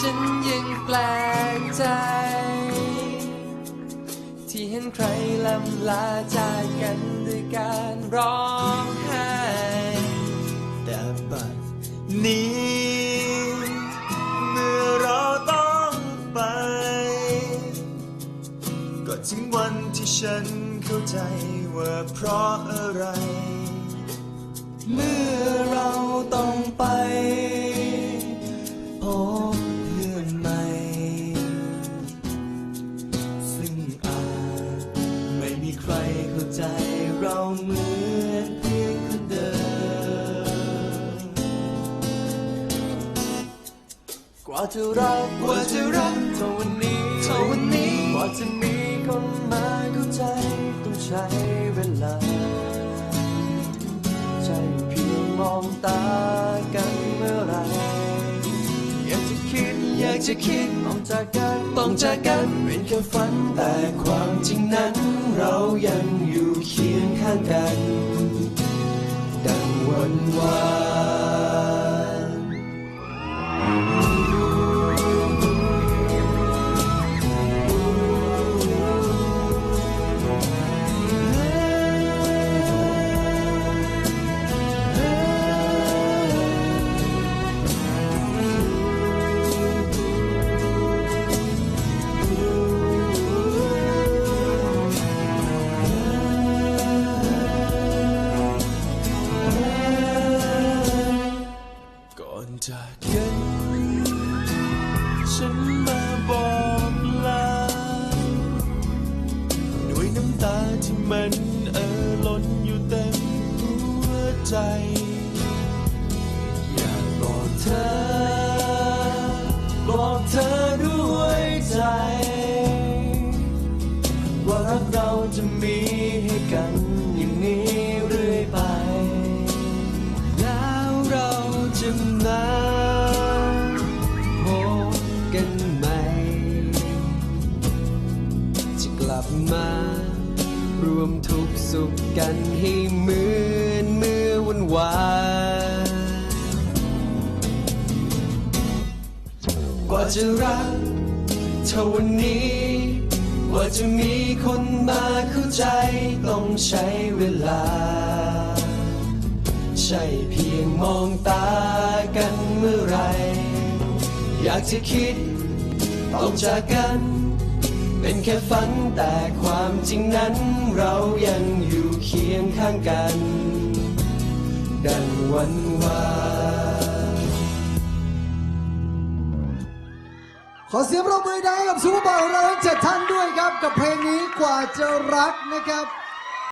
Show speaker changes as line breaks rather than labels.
ฉันยังแปลกใจที่เห็นใครลำลาจากกันด้วยการร้องไห้
แต่บัดนี้เมื่อเราต้องไปก็ถึงวันที่ฉันเข้าใจว่าเพราะอะไร
เมื่อเราต้องไป
พบเพื่อนใหม่ซึ่งอาจไม่มีใครเข้าใจเราเหมือนเพียงคนเดิม
กว่าจะรักเท่าวันนี้กว่าจะมีคนมาเข้าใจต้องใช้เวลาใช่เพียงมองตากันเมื่อไรอยากจะคิดต้องจากกันเป็นแค่ฝันแต่ความจริงนั้นเรายังอยู่เคียงข้างกันดังวันวานจากกันฉันมาบอกลาด้วยน้ำตาที่มันล้นอยู่เต็มหัวใจอยากบอกเธอด้วยใจว่ารักเราจะมีให้กันอย่างนี้เรื่อยไปแล้วเราจะมาพบกันใหม่จะกลับมารวมทุกข์สุขกันให้เหมือนเมื่อวันวานกว่าจะรักเท่าวันนี้กว่าจะมีคนมาเข้าใจต้องใช้เวลาใช่เพียงมองตากันเมื่อไรอยากจะคิดต้องจากกันเป็นแค่ฝันแต่ความจริงนั้นเรายังอยู่เคียงข้างกันดังวันวาน
ขอเสียงปรบมือดังกับซูเปอร์บอลของเราทั้ง7ท่านด้วยครับกับเพลงนี้กว่าจะรักนะครับ